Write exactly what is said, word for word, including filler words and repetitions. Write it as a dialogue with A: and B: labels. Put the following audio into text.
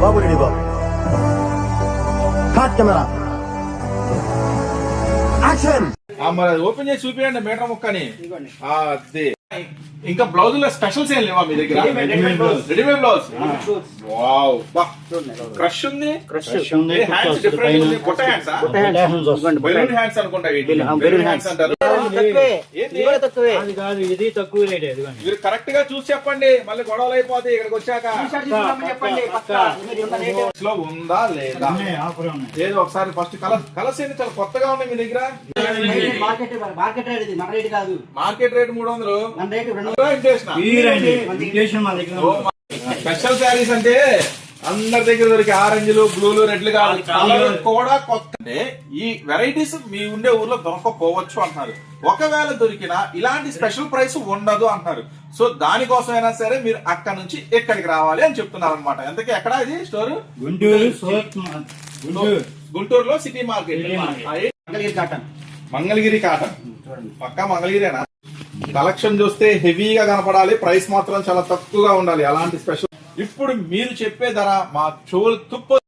A: బాబు ready బాబు cut camera action.
B: మరి open చేసి చూపించండి మీటర్ ముక్కని. అదే ఇంకా బ్లౌజుల స్పెషల్స్ ఏం లేవా మీ దగ్గర? Readymade blouse. వావ్, క్రష్ ఉంది, హ్యాండ్స్ డిఫరెంట్ ఉంది. బుట్ట హ్యాండ్స్, బెలూన్ హ్యాండ్స్ అనుకుంటా. బెలూన్ హ్యాండ్స్ అంటారు. మీరు కరెక్ట్ గా చూసి చెప్పండి, మళ్ళీ గొడవలు అయిపోతాయి ఇక్కడికి వచ్చాక. లో ఉందా లేదా ఏదో ఒకసారి ఫస్ట్ కలర్ కలర్స్ ఏంటి చాలా కొత్తగా ఉన్నాయి మీ దగ్గర. మార్కెట్ రేట్ మూడు వందలు, స్పెషల్ శారీస్ అంటే అందరి దగ్గర దొరికే ఆరెంజ్లు బ్లూలు రెడ్లు కాదు, కలర్ కూడా కొత్త. ఈ వెరైటీస్ మీ ఉండే ఊర్లో దొరకపోవచ్చు అంటున్నారు. ఒకవేళ దొరికినా ఇలాంటి స్పెషల్ ప్రైస్ ఉండదు అంటున్నారు. సో దానికోసమైనా సరే మీరు అక్కడ నుంచి ఎక్కడికి రావాలి అని చెప్తున్నారు అనమాట. ఎంతకీ ఎక్కడ ఇది స్టోర్? గుంటూరు, గుంటూరులో సిటీ మార్కెట్. మంగళగిరి కాటన్, పక్కా మంగళగిరేనా? కలెక్షన్ చూస్తే హెవీగా కనపడాలి, ప్రైస్ మాత్రం చాలా తక్కువగా ఉండాలి. అలాంటి స్పెషల్ ఇప్పుడు మీరు చెప్పే ధర మా చెవులు తుప్పు